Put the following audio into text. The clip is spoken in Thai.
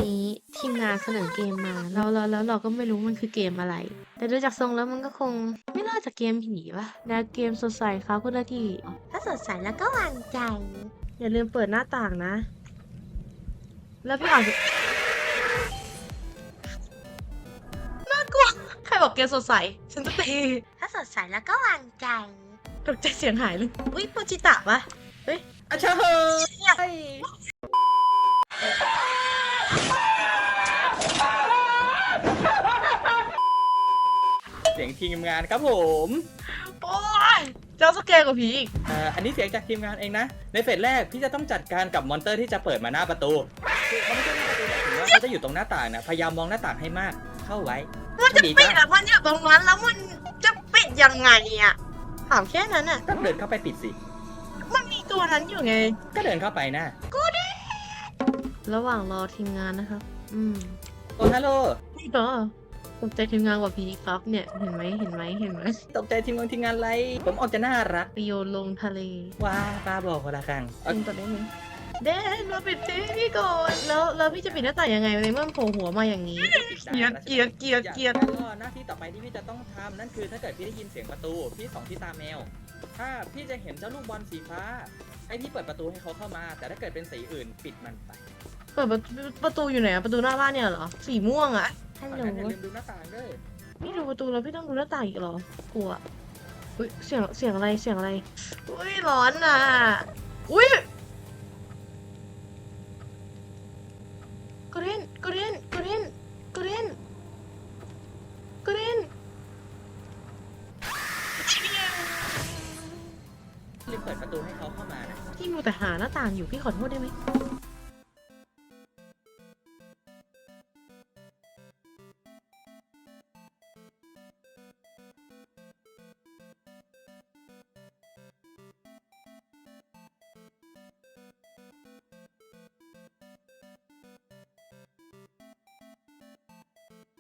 นี้ทีมงานเสนอเกมมาแล้วเราก็ไม่รู้มันคือเกมอะไร แต่ดูจากทรงแล้วมันก็คงไม่น่าจะเกมผีปะแนวเกมสดใสครับคุณนาทีถ้าสดใสแล้วก็วางใจ อย่าลืมเปิดหน้าต่างนะ แล้วพี่อ่านน่ากลัวใครบอกเกมสดใสฉันจะตีถ้าสดใสแล้วก็วางใจตกใจเสียงหายเลยอุ้ยโปจิตะปะเฮ้ยอาชาเฮ้ยเสียงทีมงานครับผมโอ้ยเจ้าสเกลกับผีอีกอันนี้เสียงจากทีมงานเองนะ ในเฟสแรกพี่จะต้องจัดการกับมอนเตอร์ที่จะเปิดมาหน้าประตูคือเขาไม่ใช่หน้าประตูหมายถึงว่าเขาจะอยู่ตรงหน้าต่างนะพยายามมองหน้าต่างให้มากเข้าไว้มันจะปิดอะมันอยู่ตรงนั้นแล้วมันจะปิดยังไงอะถามแค่นั้นอะก็เดินเข้าไปปิดสิมันมีตัวนั้นอยู่ไงก็เดินเข้าไปนะระหว่างรอทีมงานนะครับโอ้ฮัลโหลนี่ก็ตกใจทีมงานกว่าผีครับเนี่ยเห็นไหมตกใจทีมงานอะไรผมออกจะน่ารักไปโยนลงทะเลว้าป้าบอกคนละครั้งจริงต่อได้ไหมเดนมาปิดทีพี่ก่อนแล้วพี่จะปิดหน้าต่างยังไงในเมื่อมันโผล่หัวมาอย่างนี้ เกลียดก็หน้าที่ต่อไปที่พี่จะต้องทำนั่นคือถ้าเกิดพี่ได้ยินเสียงประตูพี่ส่องที่ตาแมว ถ้าพี่จะเห็นเจ้าลูกบอลสีฟ้าให้พี่เปิดประตูให้เขาเข้ามา แต่ถ้าเกิดเป็นสีอื่นปิดมันไปเปิดประตูอยู่ไหนอะประตูหน้าบ้านเนี่ยเหรอสีม่วงอะฮัลโหลงั้นอย่าลืมดูหน้าต่างด้วยพี่ดูประตูแล้วพี่ต้องดูหน้าต่างอีกเหรอกลัวอุ้ยเสียงอะไรอุ้ยร้อนอ่ะอุ้ยกรีนรีบเปิดประตูให้เขาเข้ามานะพี่มัวแต่หาหน้าต่างอยู่พี่ขอโทษได้ไหม